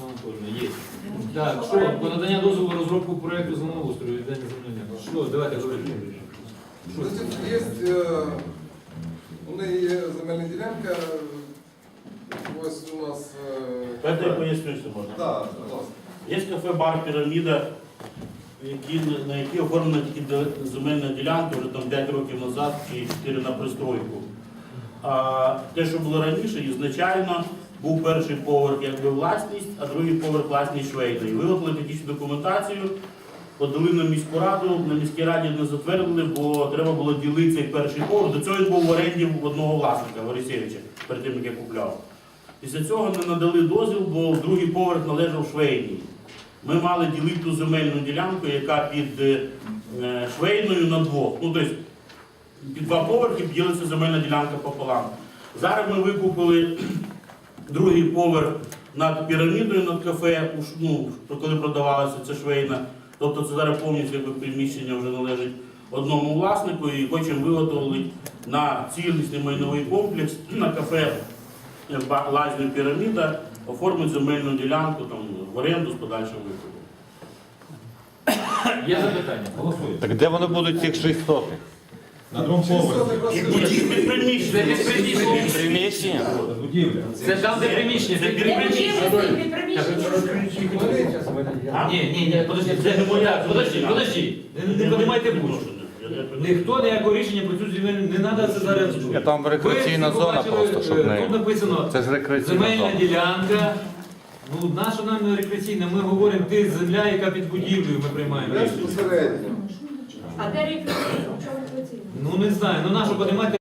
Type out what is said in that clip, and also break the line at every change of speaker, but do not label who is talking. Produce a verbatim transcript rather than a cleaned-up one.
Анатольевна, є. Так, що, по надання дозволу на розробку проєкту землеустрою, віддання землення. Що, давайте говоримо.
Значить, є, е, у неї є земельна ділянка, ось у нас... е,
Это я поясню, що можна.
Так, будь ласка.
Є кафе-бар «Піраміда», які, на якій оформлена тільки де- земельна ділянка вже там п'ять років назад чи чотири на пристройку. А те, що було раніше, ізначально був перший поверх якби власність, а другий поверх власність швейної. Виготовили технічну документацію, подали на міську раду, на міській раді не затвердили, бо треба було ділити цей перший поверх. До цього він був в оренді в одного власника, Горисевича, перед тим, як я купляв. Після цього не надали дозвіл, бо другий поверх належав швейній. Ми мали ділити ту земельну ділянку, яка під е, швейною на двох. Ну, тобто, під два поверхи ділиться земельна ділянка пополам. Зараз ми викупили другий поверх над пірамідою, над кафе, уж, ну, коли продавалася ця швейна. Тобто це зараз повністю якби, приміщення вже належить одному власнику і хочемо виготовити на цілісний майновий комплекс на кафе лазню «Піраміда», оформити земельну ділянку там, в оренду з подальшим викупом.
Є запитання? Голосуємо.
Так де вони будуть цих шість сотих?
На другому поверсі.
Як будь-які під приміщення.
Це під приміщення.
Приміщення?
Будівля.
Це там, де приміщення.
Це
під
під
приміщення.
А?
Ні, ні, ні, подожди, це не моя, подожди, подожди, не, не подимайте будь. Ніхто ніякого рішення про цю земельну, не треба це зараз.
Я там рекреаційна
Ви
зона
побачили,
просто, щоб
е,
не...
Тут написано,
Це ж рекреаційна
земельна
зона.
ділянка. Ну, наша нам не рекреаційна, ми говоримо, ти земля, яка під будівлею, ми приймаємо рішення.
Безпосередньо.
А де рекреаційна? Чому рекреаційна?
Ну, не знаю, ну нашу подимати